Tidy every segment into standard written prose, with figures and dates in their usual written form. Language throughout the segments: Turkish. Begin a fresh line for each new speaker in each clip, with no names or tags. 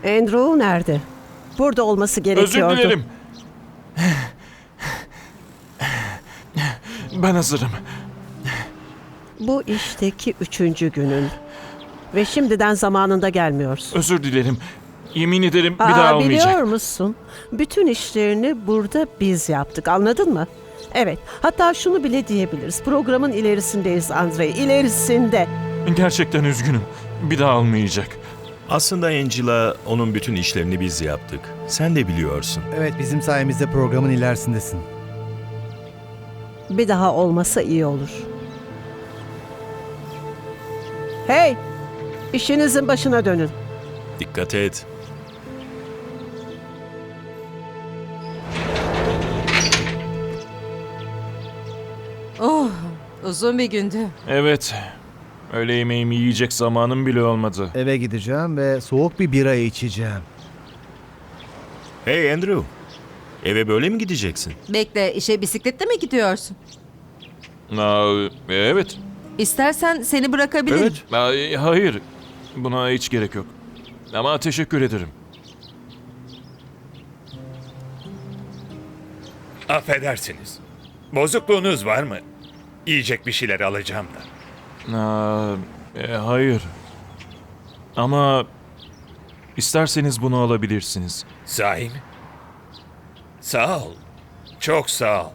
Andrew nerede? Burada olması gerekiyordu.
Özür dilerim. Ben hazırım.
Bu işteki 3. günün. Ve şimdiden zamanında gelmiyorsun.
Özür dilerim. Yemin ederim bir daha olmayacak.
Biliyor musun? Bütün işlerini burada biz yaptık. Anladın mı? Evet. Hatta şunu bile diyebiliriz. Programın ilerisindeyiz Andrei. İlerisinde.
Gerçekten üzgünüm. Bir daha olmayacak.
Aslında Angela, onun bütün işlerini biz yaptık. Sen de biliyorsun.
Evet, bizim sayemizde programın ilerisindesin.
Bir daha olmasa iyi olur. Hey! İşinizin başına dönün.
Dikkat et.
Oh, uzun bir gündü.
Evet. Öğle yemeğimi yiyecek zamanım bile olmadı.
Eve gideceğim ve soğuk bir bira içeceğim.
Hey Andrew, eve böyle mi gideceksin?
Bekle, işe bisikletle mi gidiyorsun?
Evet.
İstersen seni bırakabilirim.
Evet.
Hayır. Buna hiç gerek yok. Ama teşekkür ederim.
Affedersiniz. Bozukluğunuz var mı? Yiyecek bir şeyler alacağım da.
Hayır. Ama isterseniz bunu alabilirsiniz.
Sahi mi? Sağ ol. Çok sağ ol.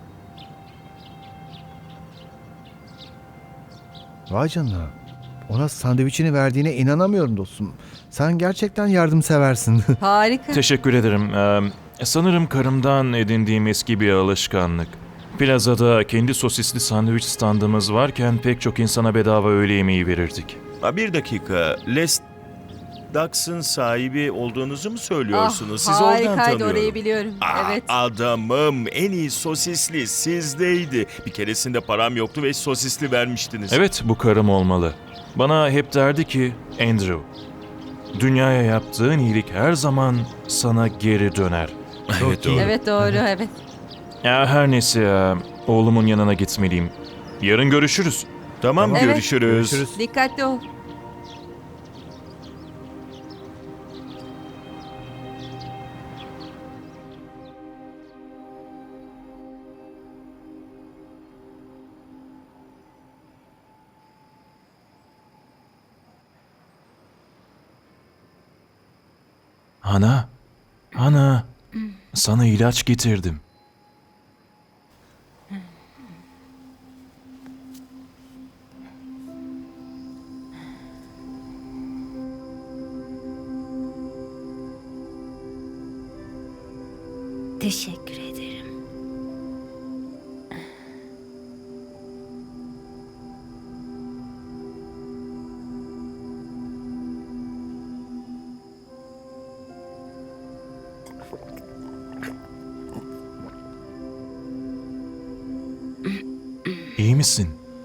Vay canına. Ona sandviçini verdiğine inanamıyorum dostum. Sen gerçekten yardımseversin.
Harika.
Teşekkür ederim. Sanırım karımdan edindiğim eski bir alışkanlık. Plazada kendi sosisli sandviç standımız varken pek çok insana bedava öğle yemeği verirdik.
Bir dakika, Les Ducks'ın sahibi olduğunuzu mu söylüyorsunuz? Sizi oradan
harikaydı,
tanıyorum.
orayı biliyorum. Evet.
Adamım, en iyi sosisli sizdeydi. Bir keresinde param yoktu ve sosisli vermiştiniz.
Evet, bu karım olmalı. Bana hep derdi ki, Andrew, dünyaya yaptığın iyilik her zaman sana geri döner.
Evet, doğru.
Evet doğru, evet.
Her neyse ya, oğlumun yanına gitmeliyim. Yarın görüşürüz.
Tamam,
Evet.
görüşürüz.
Görüşürüz.
Dikkatli ol.
Ana, sana ilaç getirdim.
Teşekkür ederim.
İyi misin?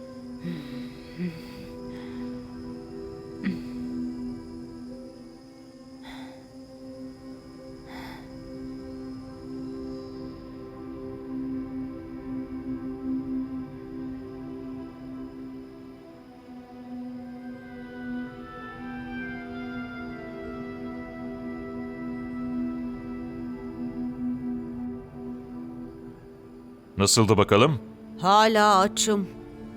Nasıldı bakalım?
Hala açım.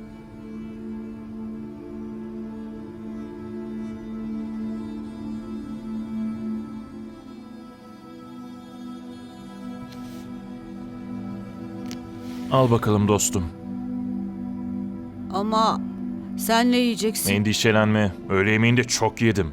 Al bakalım dostum.
Ama sen ne yiyeceksin?
Endişelenme. Öğle yemeğinde çok yedim.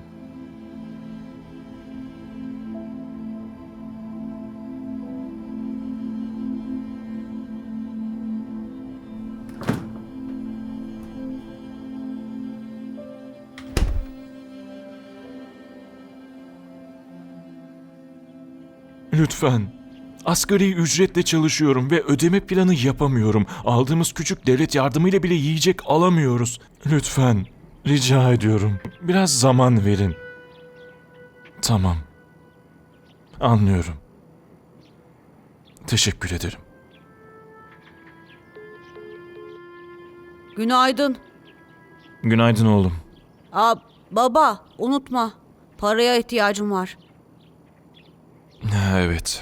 Lütfen. Asgari ücretle çalışıyorum ve ödeme planı yapamıyorum. Aldığımız küçük devlet yardımıyla bile yiyecek alamıyoruz. Lütfen. Rica ediyorum. Biraz zaman verin. Tamam. Anlıyorum. Teşekkür ederim.
Günaydın.
Günaydın oğlum.
Baba, unutma. Paraya ihtiyacım var.
Ha, evet.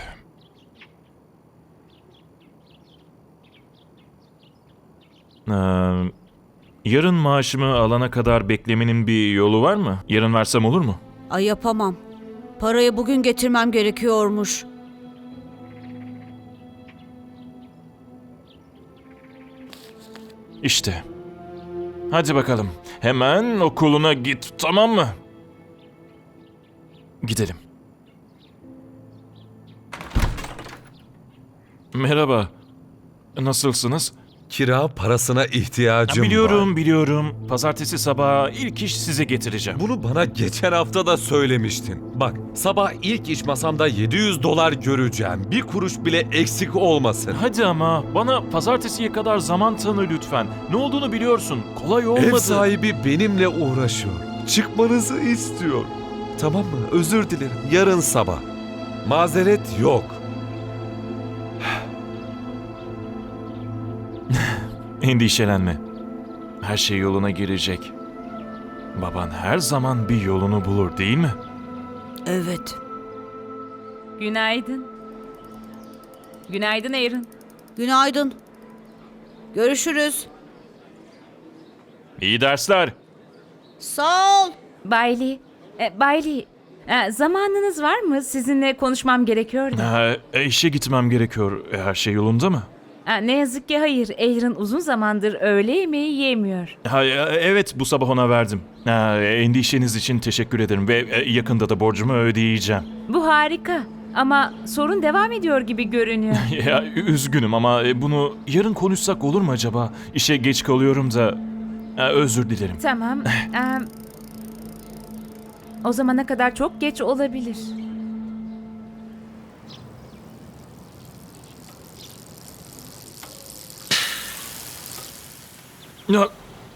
Ee, Yarın maaşımı alana kadar beklemenin bir yolu var mı? Yarın versem olur mu?
Ay yapamam. Parayı bugün getirmem gerekiyormuş.
İşte. Hadi bakalım. Hemen okuluna git, tamam mı? Gidelim. Merhaba. Nasılsınız?
Kira parasına ihtiyacım var.
Biliyorum. Pazartesi sabahı ilk iş size getireceğim.
Bunu bana geçen hafta da söylemiştin. Bak, sabah ilk iş masamda $700 göreceğim. Bir kuruş bile eksik olmasın.
Hadi ama bana pazartesiye kadar zaman tanı lütfen. Ne olduğunu biliyorsun. Kolay olmadı.
Ev sahibi benimle uğraşıyor. Çıkmanızı istiyor. Tamam mı? Özür dilerim. Yarın sabah. Mazeret yok.
Endişelenme. Her şey yoluna girecek. Baban her zaman bir yolunu bulur, değil mi?
Evet.
Günaydın. Günaydın Aaron.
Günaydın. Görüşürüz.
İyi dersler.
Sağ ol.
Bailey. Bailey. Zamanınız var mı? Sizinle konuşmam gerekiyor da.
İşe gitmem gerekiyor. Her şey yolunda mı?
Ne yazık ki hayır. Aaron uzun zamandır öğle yemeği yemiyor.
Evet, bu sabah ona verdim. Endişeniz için teşekkür ederim ve yakında da borcumu ödeyeceğim.
Bu harika. Ama sorun devam ediyor gibi görünüyor.
Üzgünüm ama bunu yarın konuşsak olur mu acaba? İşe geç kalıyorum da. Özür dilerim.
Tamam. O zamana kadar çok geç olabilir.
Ya.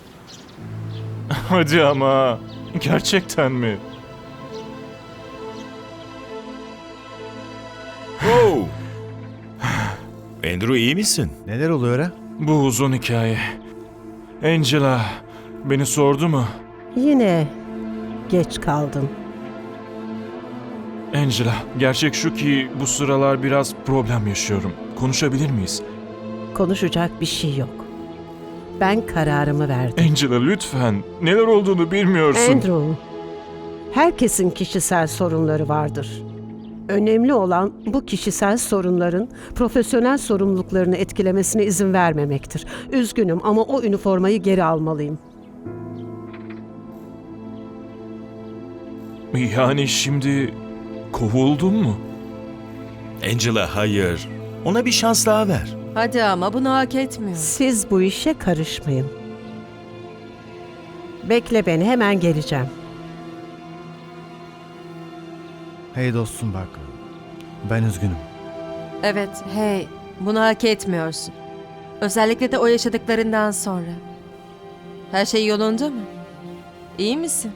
Hadi ama. Gerçekten mi?
Oh! Andrew iyi misin?
Neler oluyor ha?
Bu uzun hikaye. Angela beni sordu mu?
Yine geç kaldın.
Angela, gerçek şu ki bu sıralar biraz problem yaşıyorum. Konuşabilir miyiz?
Konuşacak bir şey yok. Ben kararımı verdim.
Angela lütfen. Neler olduğunu bilmiyorsun.
Andrew, herkesin kişisel sorunları vardır. Önemli olan bu kişisel sorunların profesyonel sorumluluklarını etkilemesine izin vermemektir. Üzgünüm ama o üniformayı geri almalıyım.
Yani şimdi kovuldun mu?
Angela hayır. Ona bir şans daha ver.
Hadi ama bunu hak etmiyor.
Siz bu işe karışmayın. Bekle beni, hemen geleceğim.
Hey dostum bak. Ben üzgünüm.
Evet, hey, bunu hak etmiyorsun. Özellikle de o yaşadıklarından sonra. Her şey yolunda mı? İyi misin?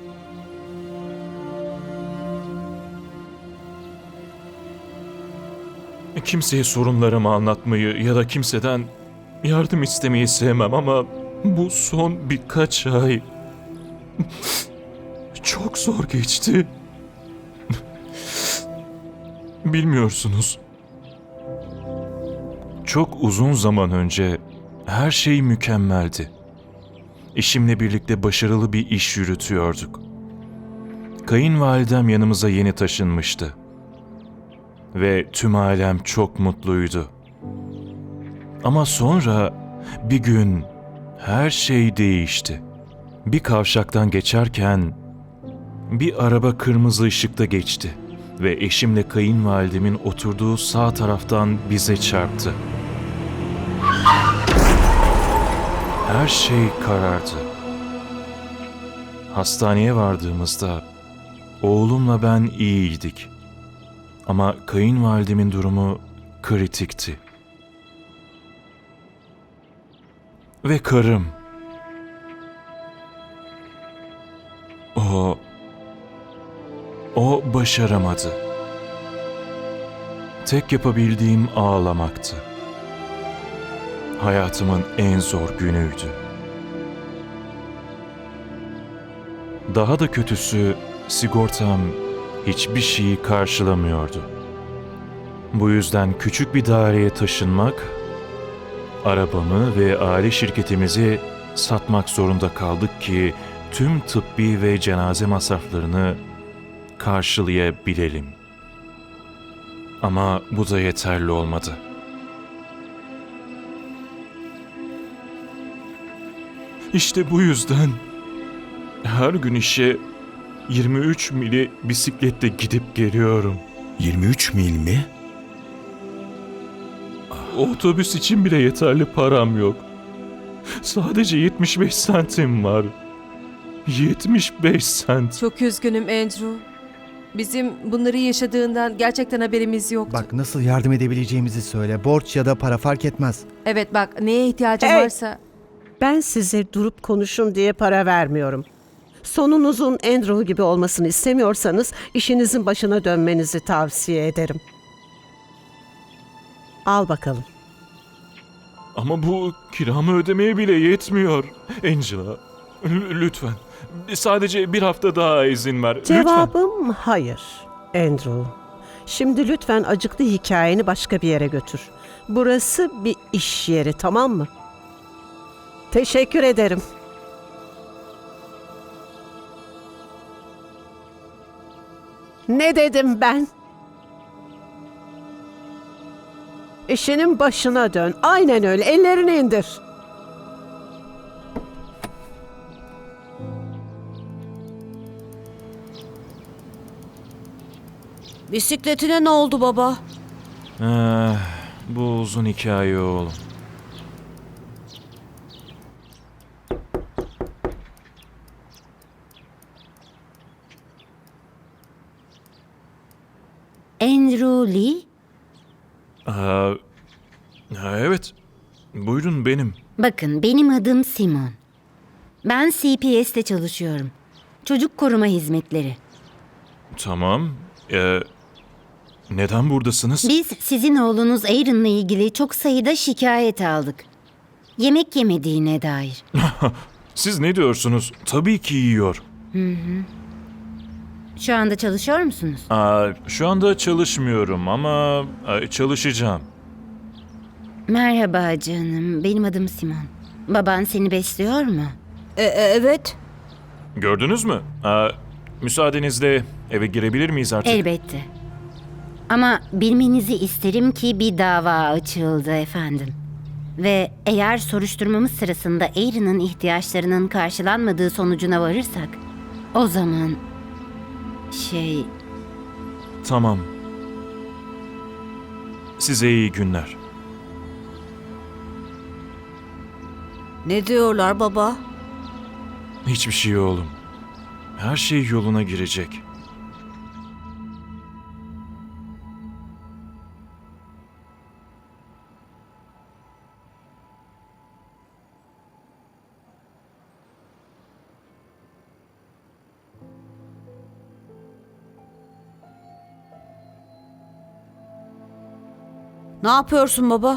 Kimseye sorunlarımı anlatmayı ya da kimseden yardım istemeyi sevmem ama bu son birkaç ay çok zor geçti. Bilmiyorsunuz. Çok uzun zaman önce her şey mükemmeldi. Eşimle birlikte başarılı bir iş yürütüyorduk. Kayınvalidem yanımıza yeni taşınmıştı. Ve tüm ailem çok mutluydu. Ama sonra bir gün her şey değişti. Bir kavşaktan geçerken bir araba kırmızı ışıkta geçti ve eşimle kayınvalidemin oturduğu sağ taraftan bize çarptı. Her şey karardı. Hastaneye vardığımızda oğlumla ben iyiydik. Ama kayınvalidemin durumu kritikti. Ve karım. O başaramadı. Tek yapabildiğim ağlamaktı. Hayatımın en zor günüydü. Daha da kötüsü sigortam hiçbir şeyi karşılamıyordu. Bu yüzden küçük bir daireye taşınmak, arabamı ve aile şirketimizi satmak zorunda kaldık ki tüm tıbbi ve cenaze masraflarını karşılayabilelim. Ama bu da yeterli olmadı. İşte bu yüzden her gün işe 23 mili bisikletle gidip geliyorum.
23 mil mi?
Otobüs için bile yeterli param yok. Sadece 75 sentim var. 75 sent.
Çok üzgünüm Andrew. Bizim bunları yaşadığından gerçekten haberimiz yoktu.
Bak nasıl yardım edebileceğimizi söyle. Borç ya da para fark etmez.
Evet bak, neye ihtiyacın
Hey!
varsa.
Ben size durup konuşun diye para vermiyorum. Sonunuzun Andrew gibi olmasını istemiyorsanız işinizin başına dönmenizi tavsiye ederim. Al bakalım.
Ama bu kiramı ödemeye bile yetmiyor. Angela, lütfen. Sadece bir hafta daha izin ver. Lütfen.
Cevabım hayır, Andrew. Şimdi lütfen acıklı hikayeni başka bir yere götür. Burası bir iş yeri, tamam mı? Teşekkür ederim. Ne dedim ben? İşinin başına dön. Aynen öyle. Ellerini indir.
Bisikletine ne oldu baba?
Bu uzun hikaye oğlum.
Andrew Lee?
Evet. Buyurun benim.
Bakın benim adım Simon. Ben CPS'te çalışıyorum. Çocuk koruma hizmetleri.
Tamam. Neden buradasınız?
Biz sizin oğlunuz Aaron'la ilgili çok sayıda şikayet aldık. Yemek yemediğine dair.
Siz ne diyorsunuz? Tabii ki yiyor.
Şu anda çalışıyor musunuz?
Şu anda çalışmıyorum ama çalışacağım.
Merhaba canım, benim adım Simon. Baban seni besliyor mu?
Evet.
Gördünüz mü? Müsaadenizle eve girebilir miyiz artık?
Elbette. Ama bilmenizi isterim ki bir dava açıldı efendim. Ve eğer soruşturmamız sırasında Aaron'ın ihtiyaçlarının karşılanmadığı sonucuna varırsak, o zaman
Tamam. Size iyi günler.
Ne diyorlar baba?
Hiçbir şey oğlum. Her şey yoluna girecek.
Ne yapıyorsun baba?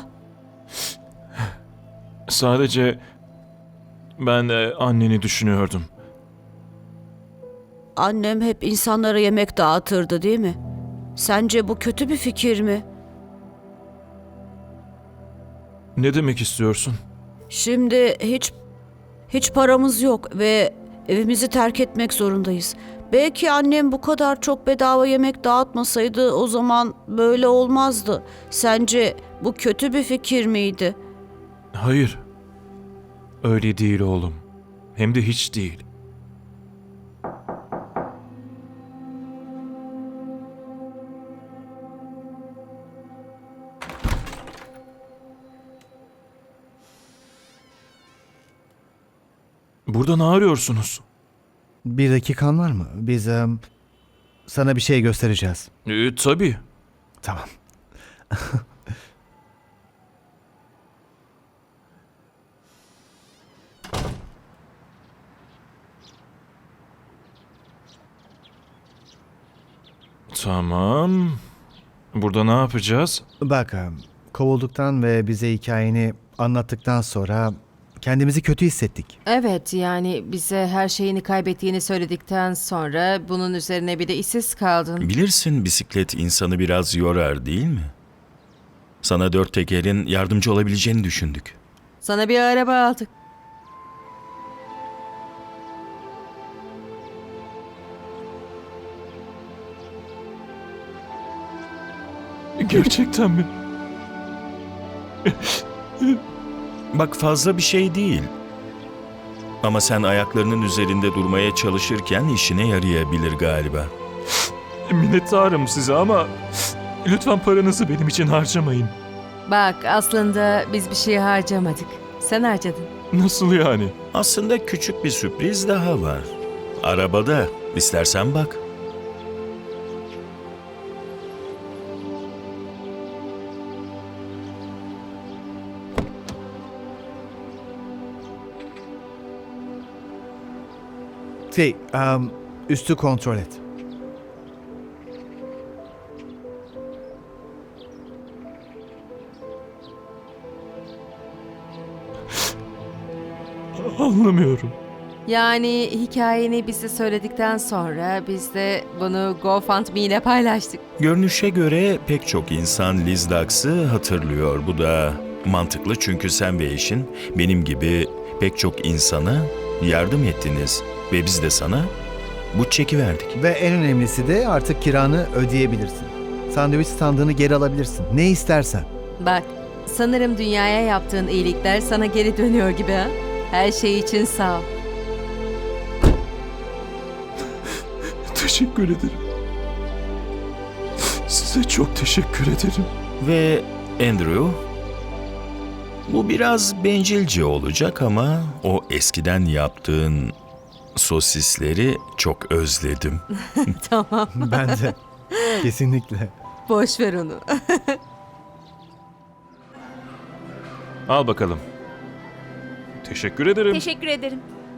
Sadece ben anneni düşünüyordum.
Annem hep insanlara yemek dağıtırdı değil mi? Sence bu kötü bir fikir mi?
Ne demek istiyorsun?
Şimdi hiç paramız yok ve evimizi terk etmek zorundayız. Belki annem bu kadar çok bedava yemek dağıtmasaydı o zaman böyle olmazdı. Sence bu kötü bir fikir miydi?
Hayır. Öyle değil oğlum. Hem de hiç değil. Burada ne arıyorsunuz?
Bir dakikan var mı? Biz sana bir şey göstereceğiz.
Tabii.
Tamam.
Tamam. Burada ne yapacağız?
Bak, kovulduktan ve bize hikayeni anlattıktan sonra kendimizi kötü hissettik.
Evet, yani bize her şeyini kaybettiğini söyledikten sonra bunun üzerine bir de işsiz kaldın.
Bilirsin bisiklet insanı biraz yorar değil mi? Sana dört tekerin yardımcı olabileceğini düşündük.
Sana bir araba aldık.
Gerçekten mi?
Bak fazla bir şey değil. Ama sen ayaklarının üzerinde durmaya çalışırken işine yarayabilir galiba.
Minnettarım size ama lütfen paranızı benim için harcamayın.
Bak aslında biz bir şey harcamadık. Sen harcadın.
Nasıl yani?
Aslında küçük bir sürpriz daha var. Arabada. İstersen bak.
Üstü kontrol et.
Anlamıyorum.
Yani hikayeni bize söyledikten sonra biz de bunu GoFundMe ile paylaştık.
Görünüşe göre pek çok insan Liz Ducks'ı hatırlıyor. Bu da mantıklı çünkü sen ve eşin benim gibi pek çok insana yardım ettiniz. Ve biz de sana bu çeki verdik.
Ve en önemlisi de artık kiranı ödeyebilirsin. Sandviç standını geri alabilirsin. Ne istersen.
Bak, sanırım dünyaya yaptığın iyilikler sana geri dönüyor gibi ha? Her şey için sağ ol.
Teşekkür ederim. Size çok teşekkür ederim.
Ve Andrew, bu biraz bencilce olacak ama o eskiden yaptığın sosisleri çok özledim.
Tamam,
Ben de. Kesinlikle.
boş ver onu.
Al bakalım. Teşekkür ederim.
Teşekkür ederim.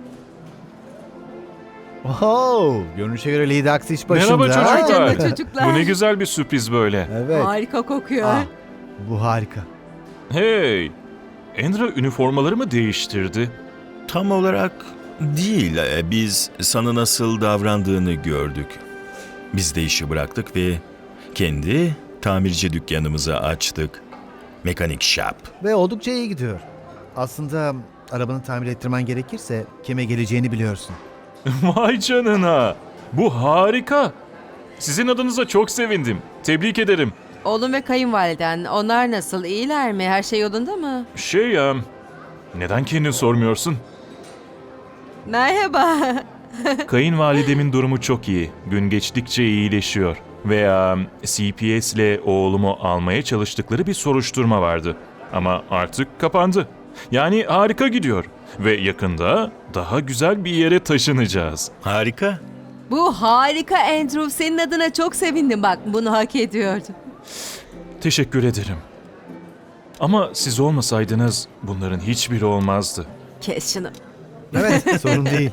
Oho, görünüşe göre Lady Axe iş başında.
Merhaba çocuklar.
Canım çocuklar.
Bu ne güzel bir sürpriz böyle.
Evet.
Harika kokuyor.
Ah, bu harika.
Hey! Andrew üniformaları mı değiştirdi?
Tam olarak değil, biz sana nasıl davrandığını gördük. Biz de işi bıraktık ve kendi tamirci dükkanımızı açtık. Mekanik Shop.
Ve oldukça iyi gidiyor. Aslında arabanı tamir ettirmen gerekirse kime geleceğini biliyorsun.
Vay canına! Bu harika! Sizin adınıza çok sevindim. Tebrik ederim.
Oğlum ve kayınvaliden, onlar nasıl? İyiler mi? Her şey yolunda mı?
Neden kendin sormuyorsun?
Merhaba.
Kayınvalidemin durumu çok iyi. Gün geçtikçe iyileşiyor. Ve CPS ile oğlumu almaya çalıştıkları bir soruşturma vardı. Ama artık kapandı. Yani harika gidiyor. Ve yakında daha güzel bir yere taşınacağız.
Harika.
Bu harika Andrew. Senin adına çok sevindim. Bak bunu hak ediyordu.
Teşekkür ederim. Ama siz olmasaydınız bunların hiçbiri olmazdı.
Kes şunu.
Evet, sorun değil.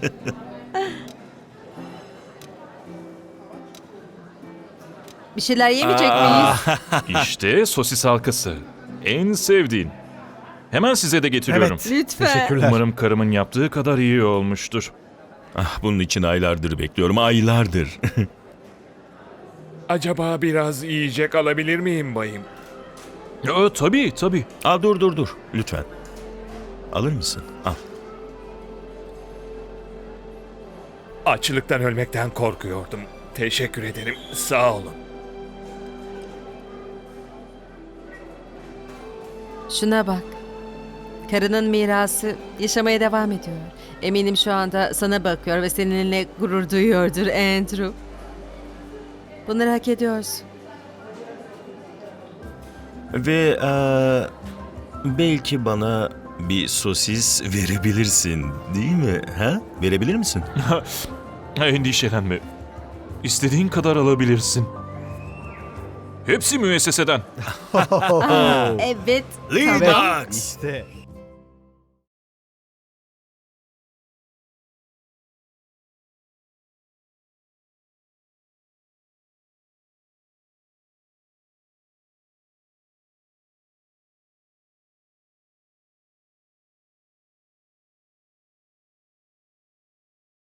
Bir şeyler yemeyecek miyiz?
İşte sosis halkası. En sevdiğin. Hemen size de getiriyorum.
Evet.
Lütfen.
Teşekkürler.
Umarım karımın yaptığı kadar iyi olmuştur.
Bunun için aylardır bekliyorum, aylardır.
Acaba biraz yiyecek alabilir miyim bayım?
Tabii.
Dur. Lütfen. Alır mısın? Al.
Açlıktan ölmekten korkuyordum. Teşekkür ederim. Sağ olun.
Şuna bak. Karının mirası yaşamaya devam ediyor. Eminim şu anda sana bakıyor ve seninle gurur duyuyordur Andrew. Bunları hak ediyorsun.
Ve belki bana bir sosis verebilirsin, değil mi? Ha? Verebilir misin?
Endişelenme. İstediğin kadar alabilirsin. Hepsi müesseseden.
Evet.
Lee
Tamam.
Ducks!
İşte.